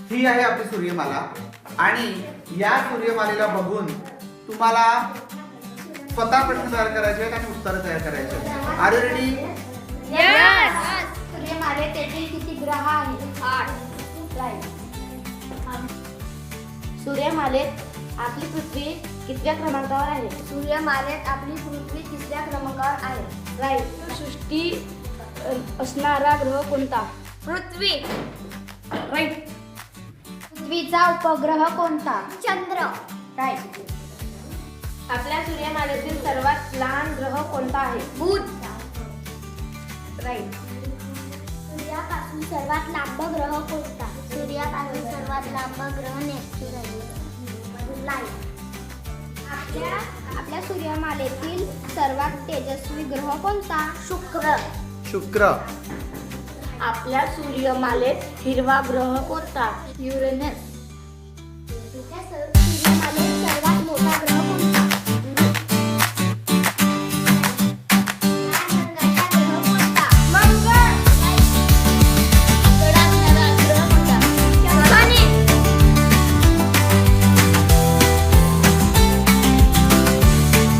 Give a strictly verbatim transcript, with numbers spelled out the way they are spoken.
ही आहे आपली सूर्यमाला आणि या सूर्यमालेला बघून तुम्हाला स्वतः प्रश्न तयार करायचे आहेत आणि उत्तर तयार करायचे आहेत. Are you ready? यस. सूर्यमालेत तेथील किती ग्रह आहेत? आठ. राईट. सूर्यमालेत आपली पृथ्वी कितव्या क्रमांकावर आहे? सूर्यमालेत आपली पृथ्वी तिसऱ्या क्रमांकावर आहे. राईट. सृष्टी अ, असणारा ग्रह कोणता? पृथ्वी. राईट. पृथ्वीचा उपग्रह कोणता? चंद्र. राईट. आपल्या सूर्यमालेतील सर्वात लहान ग्रह कोणता आहे? बुध. राईट. सूर्यापासून सर्वात लांब ग्रह कोणता? सूर्यापासून सर्वात लांब ग्रह नेपच्यून आहे. लाईट. आपल्या आपल्या सूर्यमालेतील सर्वात तेजस्वी ग्रह कोणता? शुक्र. शुक्र. आपल्या सूर्यमालेत हिरवा ग्रह कोणता? युरेनस.